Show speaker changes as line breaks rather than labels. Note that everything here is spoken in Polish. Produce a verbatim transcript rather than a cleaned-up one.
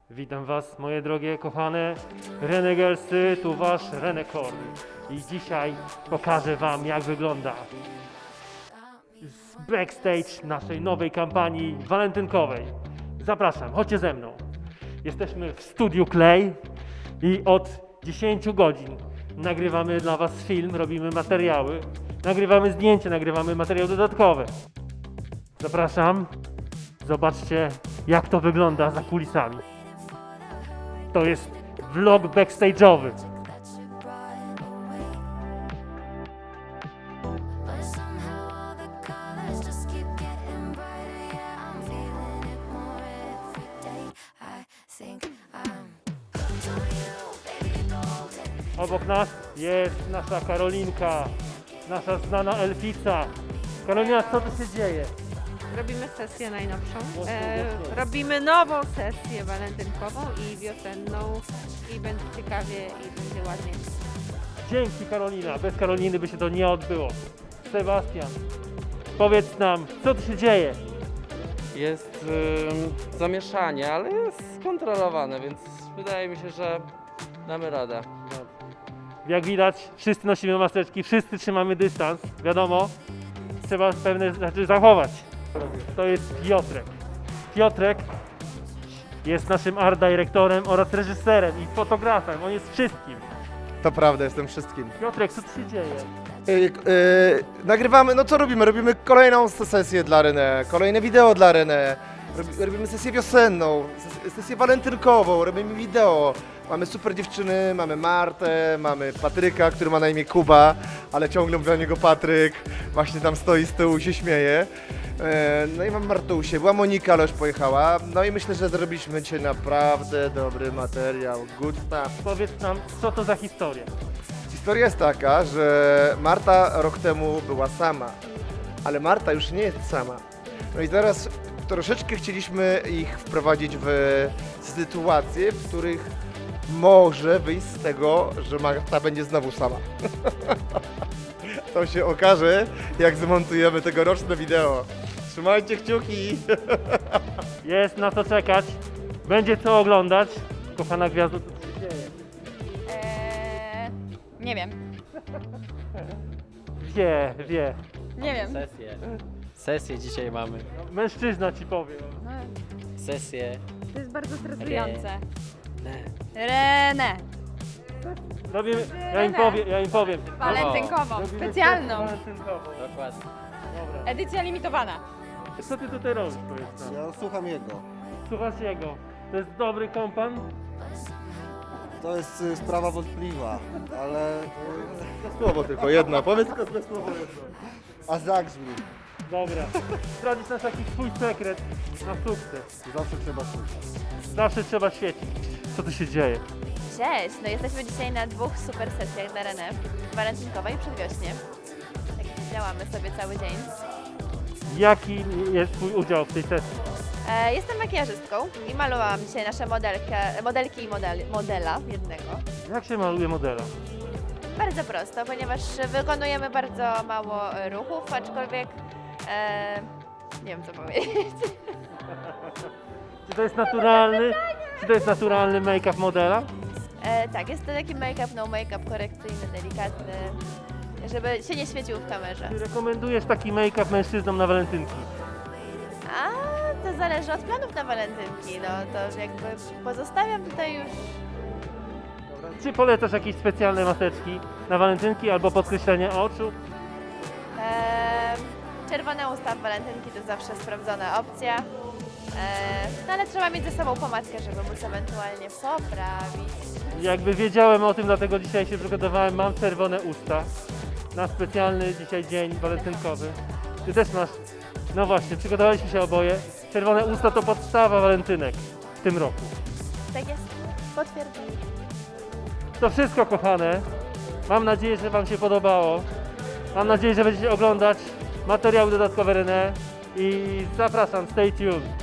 Witam Was, moje drogie, kochane Renegelsy, tu Wasz Renekorn. I dzisiaj pokażę Wam, jak wygląda backstage naszej nowej kampanii walentynkowej. Zapraszam, chodźcie ze mną. Jesteśmy w studiu Klej i od dziesięciu godzin nagrywamy dla Was film, robimy materiały, nagrywamy zdjęcia, nagrywamy materiały dodatkowe. Zapraszam, zobaczcie, jak to wygląda za kulisami. To jest vlog backstage'owy. Obok nas jest nasza Karolinka, nasza znana elfica. Karolina, co tu się dzieje?
Robimy sesję najnowszą.
Mocno,
E,
mocno.
robimy nową sesję walentynkową i wiosenną i będzie ciekawie i będzie ładnie.
Dzięki, Karolina. Bez Karoliny by się to nie odbyło. Sebastian, powiedz nam, co tu się dzieje?
Jest ym, zamieszanie, ale jest skontrolowane, więc wydaje mi się, że damy radę.
Jak widać, wszyscy nosimy maseczki, wszyscy trzymamy dystans. Wiadomo, trzeba pewne rzeczy zachować. To jest Piotrek. Piotrek jest naszym art dyrektorem oraz reżyserem i fotografem. On jest wszystkim.
To prawda, jestem wszystkim.
Piotrek, co tu się dzieje?
Yy, yy, nagrywamy, no co robimy? Robimy kolejną sesję dla René, kolejne wideo dla René. Robi, robimy sesję wiosenną, ses, sesję walentynkową, robimy wideo. Mamy super dziewczyny, mamy Martę, mamy Patryka, który ma na imię Kuba, ale ciągle mówię o niego Patryk. Właśnie tam stoi z tyłu i się śmieje. Yy, no i mam Martusię, była Monika, ale już pojechała. No i myślę, że zrobiliśmy dzisiaj naprawdę dobry materiał. Good stuff.
Powiedz nam, co to za historia?
Historia jest taka, że Marta rok temu była sama, ale Marta już nie jest sama. No i teraz troszeczkę chcieliśmy ich wprowadzić w sytuacje, w których może wyjść z tego, że Marta będzie znowu sama. To się okaże, jak zmontujemy tegoroczne wideo. Trzymajcie kciuki!
Jest na co czekać, będzie co oglądać. Kochana gwiazdo, co tu się dzieje?
Eee, nie wiem.
Wie, wie.
Nie wiem.
Sesję. Sesję dzisiaj mamy.
Mężczyzna ci powie.
No,
Sesję.
to jest bardzo stresujące.
Ne.
Renę.
Robimy, ja im powiem, ja im powiem.
Walentynkową,
Robimy
specjalną.
sesję walentynkową.
Dokładnie.
Dobra.
Edycja limitowana.
Co ty tutaj robisz, powiedz nam?
Ja słucham jego.
Słuchasz jego. To jest dobry kompan?
To jest y, sprawa wątpliwa, ale... y,
Słowo tylko jedno, powiedz tylko tylko słowo jedno.
A zagrzmi.
Dobra. Zdradzisz nas jakiś swój sekret na sukces.
Zawsze trzeba słuchać.
Zawsze trzeba świecić. Co tu się dzieje?
Cześć, no jesteśmy dzisiaj na dwóch super sesjach dla René, walentynkowej i przedwiośnie. Tak jak działamy sobie cały dzień.
Jaki jest twój udział w tej sesji?
E, jestem makijażystką i malowałam dzisiaj nasze modelkę, modelki i model, modela jednego.
Jak się maluje modela?
Bardzo prosto, ponieważ wykonujemy bardzo mało e, ruchów, aczkolwiek e, nie wiem co powiedzieć.
Czy to jest naturalny, czy to jest naturalny make-up modela?
E, tak, jest to taki make-up, no make-up korekcyjny, delikatny, żeby się nie świecił w kamerze.
Czy rekomendujesz taki make-up mężczyznom na walentynki?
A to zależy od planów na walentynki, no to jakby pozostawiam tutaj już.
Czy polecasz jakieś specjalne maseczki na walentynki albo podkreślenie oczu?
E, czerwone usta w walentynki to zawsze sprawdzona opcja. E, no ale trzeba mieć ze sobą pomadkę, żeby móc ewentualnie poprawić.
Jakby wiedziałem o tym, dlatego dzisiaj się przygotowałem. Mam czerwone usta na specjalny dzisiaj dzień walentynkowy. Ty też masz. No właśnie, przygotowaliśmy się oboje. Czerwone usta to podstawa walentynek w tym roku.
Tak jest, potwierdzam.
To wszystko, kochane. Mam nadzieję, że Wam się podobało. Mam nadzieję, że będziecie oglądać materiały dodatkowe René i zapraszam, stay tuned.